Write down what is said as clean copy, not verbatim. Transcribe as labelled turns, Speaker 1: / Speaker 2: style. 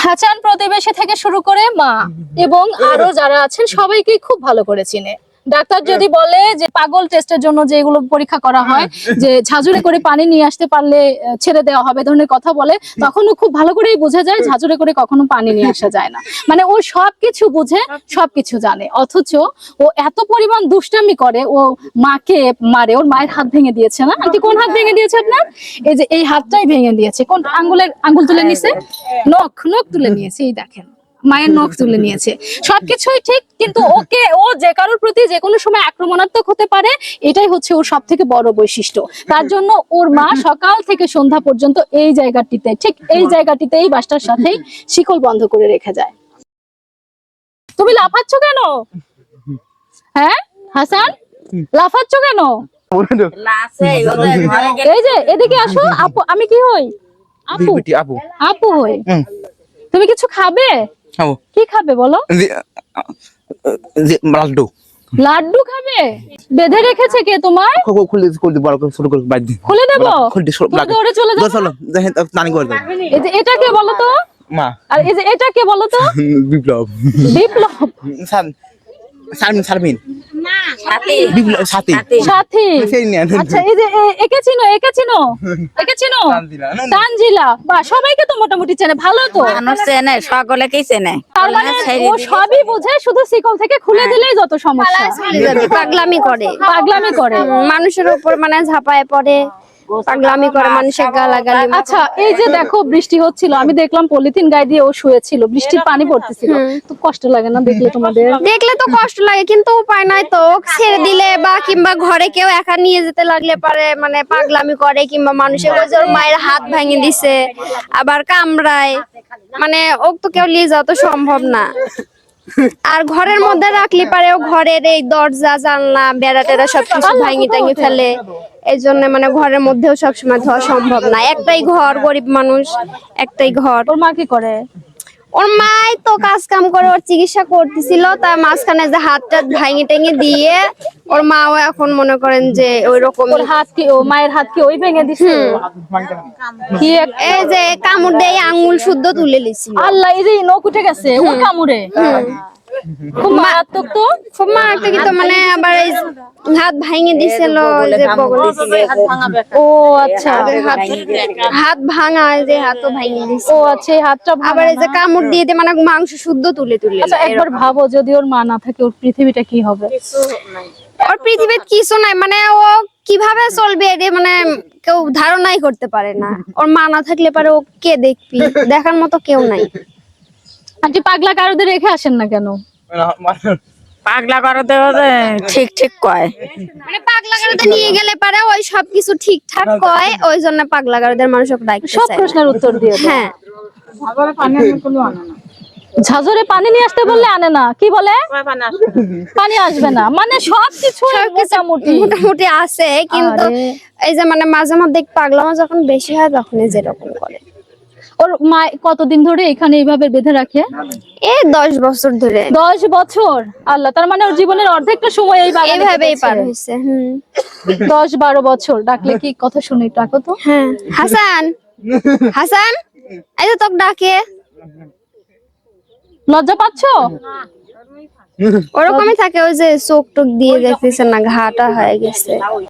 Speaker 1: হাসান প্রতিবেশী থেকে শুরু করে মা এবং আরো যারা আছেন সবাইকে খুব ভালো করে চিনে। ডাক্তার যদি বলে যে পাগল টেস্টের জন্য যেগুলো পরীক্ষা করা হয় যে ঝাঁঝুরে করে পানি নিয়ে আসতে পারলে ছেড়ে দেওয়া হবে ধরনের কথা বলে, তখনও খুব ভালো করেই বোঝা যায় ঝাঁঝুরে করে কখনো পানি নিয়ে আসা যায় না। মানে ও সবকিছু বুঝে, সবকিছু জানে, অথচ ও এত পরিমাণ দুষ্টামি করে, ও মাকে মারে। ওর মায়ের হাত ভেঙে দিয়েছে না আন্টি? কোন হাত ভেঙে দিয়েছে আপনার? এই যে এই হাতটাই ভেঙে দিয়েছে। কোন আঙ্গুল তুলে নিয়েছে, নখ তুলে নিয়েছে, এই দেখেন মায়ের নখ তুলে নিয়েছে। সবকিছুই ঠিক, কিন্তু ও যে কারোর প্রতি যে কোনো সময় আক্রমণাত্মক হতে পারে, এটাই হচ্ছে ওর সব থেকে বড় বৈশিষ্ট্য। তার জন্য ওর মা সকাল থেকে সন্ধ্যা পর্যন্ত এই জায়গাটিতে, ঠিক এই জায়গাটিতে, এই বাসটার সাথেই শিকল বন্ধ করে রেখে যায়। তুমি লাফাচ্ছ কেন? হ্যাঁ হাসান, লাফাচ্ছ কেন? এই যে এদিকে আসো আপু, আমি কি হই? আপু, আপু হই। তুমি কিছু খাবে? কি খাবে বলো?
Speaker 2: লাড্ডু।
Speaker 1: লাড্ডু খাবে? বেঁধে রেখেছে কে তোমার? খুলে দেবো? দৌড়ে চলে যাবো? এটা কে বলো তো?
Speaker 2: মা।
Speaker 1: আর এই যে এটা কে বলো তো?
Speaker 2: বিপ্লব।
Speaker 1: বিপ্লব?
Speaker 2: শারমিন। সাথী।
Speaker 1: আচ্ছা, এই যে একে চিনো? একে চিনো? একে চিনো? তানজিলা। বা সবাইকে তো মোটামুটি চেনে, ভালো তো।
Speaker 3: মানুষ চেনে, সকলেকেই চেনে।
Speaker 1: তার মানে ও সবই বুঝে, শুধু শিকল থেকে খুলে দিলেই যত সমস্যা।
Speaker 4: পাগলামি করে,
Speaker 1: পাগলামি করে,
Speaker 4: মানুষের উপর মানে ঝাঁপায় পড়ে, পাগলামি করে, মানুষের গালাগালি।
Speaker 1: আচ্ছা, এই যে দেখো বৃষ্টি হচ্ছিল, আমি দেখলাম পলিথিন গায়ে দিয়ে ও শুয়েছিল, বৃষ্টির পানি পড়তেছিল, তো কষ্ট লাগে না দেখলে? তোমাদের
Speaker 4: দেখলে তো কষ্ট লাগে, কিন্তু উপায় নাই তো। ছেড়ে দিলে বা কিংবা ঘরে কেউ একা নিয়ে যেতে লাগলে পারে মানে পাগলামি করে, কিংবা মানুষের ওর মায়ের হাত ভেঙে দিছে, আবার কামড়ায়, মানে ও তো কেউ নিয়ে যাওয়া তো সম্ভব না। আর ঘরের মধ্যে রাখলে পারে ও ঘরের এই দরজা জানলা বেড়া টেরা সবকিছু ভাঙি টাঙি ফেলে। এই জন্য মানে ঘরের মধ্যেও সবসময় ধোয়া সম্ভব না। একটাই ঘর, গরিব মানুষ, একটাই ঘর।
Speaker 1: ওর মা কি করে?
Speaker 4: ওর মাই তো কাজ কাম করে, ওর চিকিৎসা করতেছিল, তার মাঝখানে যে হাতটা ভাঙি টেঙে দিয়ে ওর মাও এখন মনে করেন যে ওই রকম।
Speaker 1: ওর হাত কি, ও মায়ের হাত কি ওই ভেঙে দিছে? কি
Speaker 4: এই যে কামড় দিয়ে আঙ্গুল শুদ্ধ তুলে লিছিল।
Speaker 1: আল্লাহ, এই যে নখ উঠে গেছে ওর কামড়ে। খুব মারাত্মক তো,
Speaker 4: খুব মারাত্মক। তো মানে আবার এই হাত ভাঙে দিছিল, যে বগলে।
Speaker 1: ও আচ্ছা,
Speaker 4: হাত ভাঙা, যে হাতও ভাঙে দিছে।
Speaker 1: ও আচ্ছা, এই হাতটা
Speaker 4: আবার এই যে কামড় দিয়ে দিয়ে মানে মাংস শুদ্ধ তুলে তুলে।
Speaker 1: আচ্ছা, একবার ভাবো যদি ওর মা না থাকে, ওর পৃথিবীটা কি হবে?
Speaker 4: ওর পৃথিবীতে কিছু নাই, মানে ও কিভাবে চলবে এটা মানে কেউ ধারণাই করতে পারে না। ওর মা না থাকলে পারে ও কে দেখবি, দেখার মতো কেউ নাই।
Speaker 1: আন্টি, পাগলা কারোদের রেখে আসেন না কেন?
Speaker 3: পাগলা করতে ঠিক ঠিক কয়,
Speaker 4: মানে পাগলা গারদে নিয়ে গেলে পারে ওই সবকিছু ঠিকঠাক কয়, ওই জন্য পাগলা গারদের মানুষ ওকে ডাকতে
Speaker 1: সব
Speaker 4: চায়।
Speaker 1: প্রশ্নের উত্তর দিয়ে দেয়।
Speaker 4: হ্যাঁ,
Speaker 1: ঝাঁঝরে পানি নিয়ে আসতে বললে আনে না, কি বলে? পানি আসবে না, মানে সবকিছু
Speaker 4: মোটামুটি আছে, কিন্তু এই যে মানে মাঝে মধ্যে পাগলামো যখন বেশি হয় তখনই যেরকম করে।
Speaker 1: ওর মা কতদিন ধরে এখানে এইভাবে বেঁধে রাখে?
Speaker 4: এই 10 বছর ধরে।
Speaker 1: 10 বছর? আল্লাহ, তার মানে ওর জীবনের অর্ধেকটা সময় এই বাগানে
Speaker 4: এইভাবেই পার হইছে।
Speaker 1: 10-12 বছর। ডাকলে কি কথা শুনে? ডাকো তো।
Speaker 4: হ্যাঁ, হাসান, হাসান, এই যে তোকে ডাকে।
Speaker 1: লজ্জা পাচ্ছো?
Speaker 4: ওরকমই থাকে, ওই যে চোখ টোক দিয়ে দেখতেছেন না, ঘাটা হয়ে গেছে।